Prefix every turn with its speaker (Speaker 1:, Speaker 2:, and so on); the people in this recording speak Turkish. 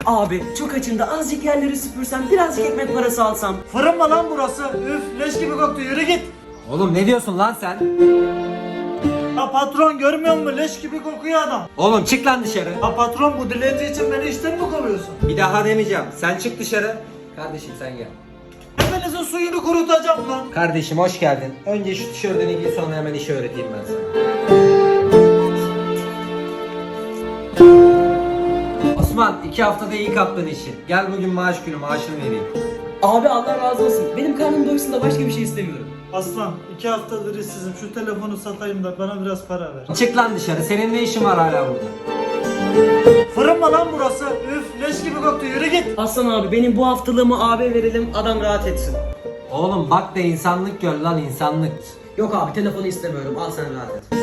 Speaker 1: Abi çok açım da azıcık yerleri süpürsem, birazcık ekmek parası alsam.
Speaker 2: Fırın mı lan burası? Üf, leş gibi koktu, yürü git.
Speaker 3: Oğlum ne diyorsun lan sen?
Speaker 2: Ya patron, görmüyor musun? Leş gibi kokuyor adam.
Speaker 3: Oğlum çık lan dışarı.
Speaker 2: Ya patron, bu dilenci için beni işten mi kovuyorsun?
Speaker 3: Bir daha demeyeceğim. Sen çık dışarı. Kardeşim sen gel.
Speaker 2: Hepinizin suyunu kurutacağım lan.
Speaker 3: Kardeşim hoş geldin. Önce şu tişörtünü giy, sonra hemen işi öğreteyim ben sana. Osman 2 haftada iyi kaptın işi. Gel bugün maaş günü, maaşını vereyim.
Speaker 1: Abi Allah razı olsun. Benim karnım doysun da başka bir şey istemiyorum.
Speaker 2: Aslan, 2 haftadır işsizim. Şu telefonu satayım da bana biraz para ver.
Speaker 3: Çık lan dışarı. Senin ne işin var hala burada?
Speaker 2: Fırın mı lan burası? Üf, leş gibi koktu, yürü git.
Speaker 1: Aslan abi, benim bu haftalığımı abi verelim, adam rahat etsin.
Speaker 3: Oğlum bak da insanlık gör lan, insanlık.
Speaker 1: Yok abi, telefonu istemiyorum, al sen rahat et.